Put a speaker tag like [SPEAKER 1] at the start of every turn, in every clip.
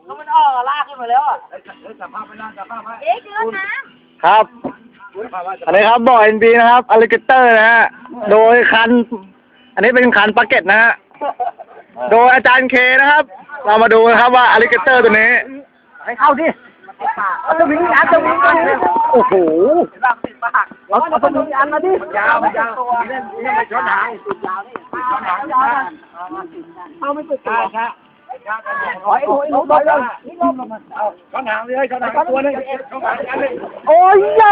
[SPEAKER 1] ก็มันออกลากขึ้นมาแล้วอ่ะจับภาพไปนะจับภาพไปเกินน้ำครับอันนี้ครับบ่อ NB นะครับอลิเกเตอร์นะฮะโดยคันอันนี้เป็นคันปาเก็ตนะฮะโดยอาจารย์เคนะครับเรามาดูนะครับว่าอลิเกเตอร์ตัวนี้ให้เข้าดิเอาตัววิ่งอันตัววิ่งโอ้โหเอาตัววิ่งอันมาดิยาวตัวนี่ไม่ช้อนหางสุดยาวนี่ช้อนหางเอาไม่สุดตัวครับโอ้ยลบเลยเอาช้อนหางเลยช้อนหางตัวนึงช้อนหางอันนึงโอ้ยเยอะ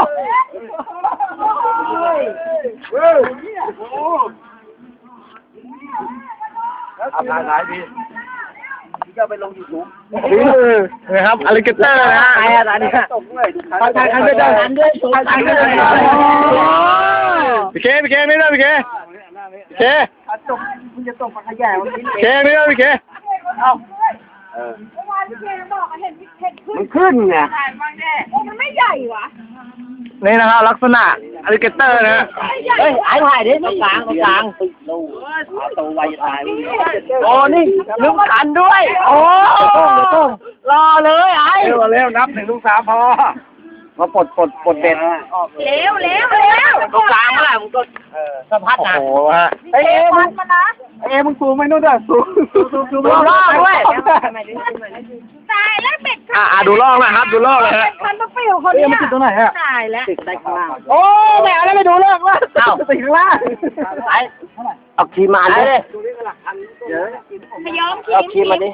[SPEAKER 1] เอาผ่านหลายทีก็ไปลง YouTube นี่นะครับอลิเกเตอร์นะฮะอะไรเนี่ยถ่ายกันด้วยถ่ายกันด้วยพี่เคไม่ได้พี่เคจบคุณจะตกปลาขยะวันนี้เคไม่ได้พี่เคเอาเมื่อวานพี่เคบอกเห็นมันขึ้นไงมันไม่ใหญ่วะนี่นะครับลักษณะอลิเกเตอร์นะเฮ้ยไอ้ถ่ายดิตรงกลางติดลูกตัวไวตายโอ้นี่ลืมขันด้วยโอ้รอเลยไอ้เร็วนับ1 2 3พอมาปลดเบ็ดเร็วตรงกลางเมื่อไหร่มึงก็สะพัดนะโอ้โหฮะไอ้มันนะมึงซูมไม่นู่นด้วยซูมลอกด้วยตายแล้วเป็ดดูลอกนะครับดูลอกเลยฮะมันต้องไปอยู่คนนี้มันติดตรงไหนฮะตายแล้วติดใต้ข้างล่างโอ้แม่แล้วไปดูลอกว่าติดข้างล่างเอาคีมมาเลยขย้อมเอาคีมมาดิ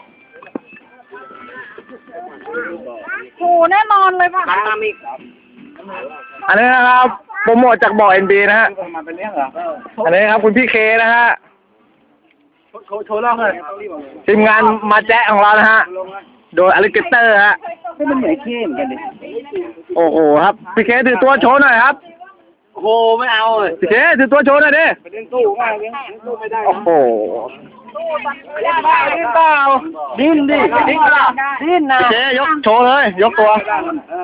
[SPEAKER 1] โหแน่นอนเลยป่ะอันนี้นะครับโปรโมทจากบ่อ NB นะฮะอันนี้ครับคุณพี่เคนะฮะโชว์ล่องเลยทีมงานมาแจ๊ของเรานะฮะโดยอลิเกเตอร์ฮะมันเหมือนเคเหมือนกันดิโอ้โหครับพี่เคถือตัวโชว์หน่อยครับโอ้โหไม่เอาเลยพี่เคถือตัวโชว์หน่อยดิเล่นตู้ง่ายเล่นตู้ไม่ได้โอ้โหดิ้นเปล่าดิ้นดิดิ้นนะพี่เคยกโชว์เลยยกตัวยก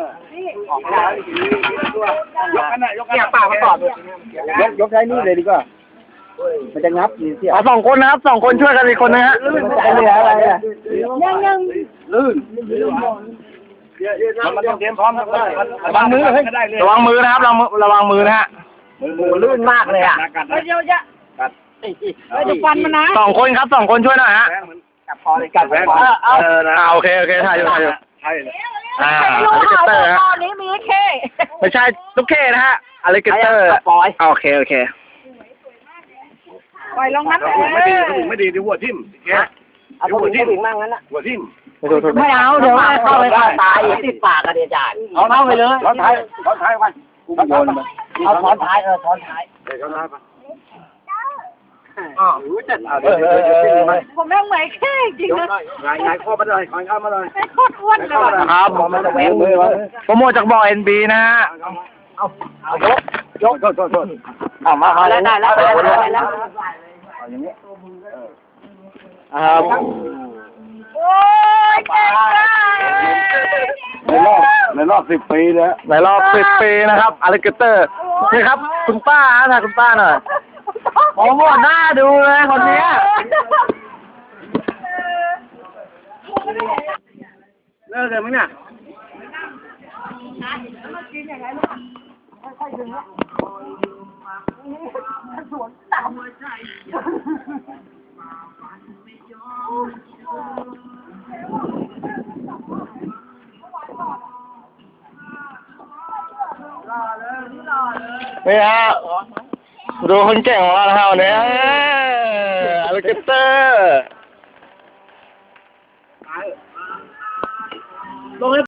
[SPEAKER 1] อันน่ะยกปากมาตอบยกใช้นี่เลยดีกว่ามันจะงับนี่เสีย2 คนนะครับ2 คนช่วยกันอีกคนนะฮะอะไรยังลื่นมันต้องเตรียมพร้อมครับระวังมือนะครับระวังมือนะฮะมือลื่นมากเลยอ่ะเยอะจะฟันมันนะ2 คนครับ2 คนช่วยหน่อยฮะกัดคอเลยกัดโอเคถ่ายอยู่อลิเกเตอร์ฮะตอนนี้มีเคไม่ใช่ตุ๊กเคนะฮะอลิเกเตอร์โอเคปล่อยลงนั้นไม่ดีหัวทิ่มเอาหัวทิ่มมั่งนั้นน่ะหัวทิ่มไม่เอาเดี๋ยวเข้าไปตายติดปากกันเดี๋ยวจ่ายเอาเข้าไปเลยช้อนท้ายวันเอาช้อนท้ายช้อนท้ายไปผมแม่งเหมือนแค่จริงนะไงข้อมาเลยข้ามมาเลยโคตรอ้วนเลยครับมันจะแหวกมือโปรโมทจากบ่อ NB นะฮะเอายกมาได้แล้วอย่างนี้โอ้ยในรอบ10 ปีแล้วในรอบ10 ปีนะครับอลิเกเตอร์นี่ครับคุณป้านะคุณป้าหน่อยโอ้โหหน้าดูเลยคนนี้เลิกเลยมั้งเนี่ยค่อยๆดึงนะสวนต่ำเลยใช่นี่ฮะดูคนเก่งของเราแล้ววันนี้อลิเกเตอร์